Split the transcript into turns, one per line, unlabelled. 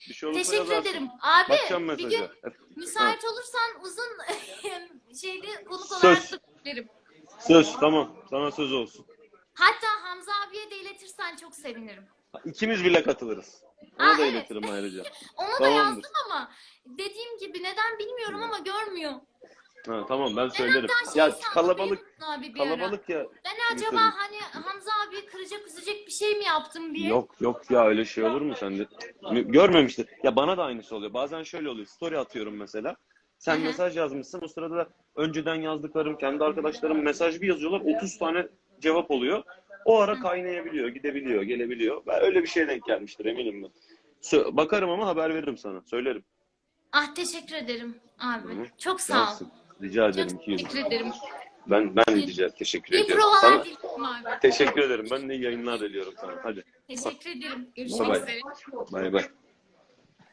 Bir şey olursa
Teşekkür
yazarsın.
ederim. Abi
Bakacağım
bir
mesaja.
gün müsait olursan uzun şeyli konuk olarak
Söz.
da beklerim.
Söz, tamam. Sana söz olsun.
Hatta Hamza abiye de iletirsen çok sevinirim.
İkimiz bile katılırız. Ona
Aa,
da
evet.
iletirim ayrıca.
Onu da
Tamamdır.
yazdım ama dediğim gibi neden bilmiyorum ama görmüyor.
Ha, tamam ben söylerim.
Hatta şey
Ya
sandım,
kalabalık
abi bir ara.
kalabalık ya.
Ben acaba
Tabii.
hani Hamza abi kıracak üzecek bir şey mi yaptım diye.
Yok yok ya, öyle şey olur mu sen de? Görmemiştir. Ya bana da aynısı oluyor. Bazen şöyle oluyor. Story atıyorum mesela. Sen
Hı hı.
mesaj yazmışsın. O sırada da önceden yazdıklarım, kendi arkadaşlarım mesaj bir yazıyorlar. 30 tane cevap oluyor. O ara kaynayabiliyor, gidebiliyor, gelebiliyor. Ben öyle bir şeye denk gelmiştir eminim ben. Bakarım ama haber veririm sana. Söylerim.
Ah, teşekkür ederim abi.
Hı-hı.
Çok sağ ol.
Gelsin. Rica ederim.
Çok
200.
teşekkür ederim.
Ben teşekkür
İyi
ediyorum.
provalar
Sana
diliyorum abi.
teşekkür ederim. Ben de iyi yayınlar diliyorum sana. Hadi.
Teşekkür ederim.
Bye
Görüşmek
bye.
üzere.
Bay bay.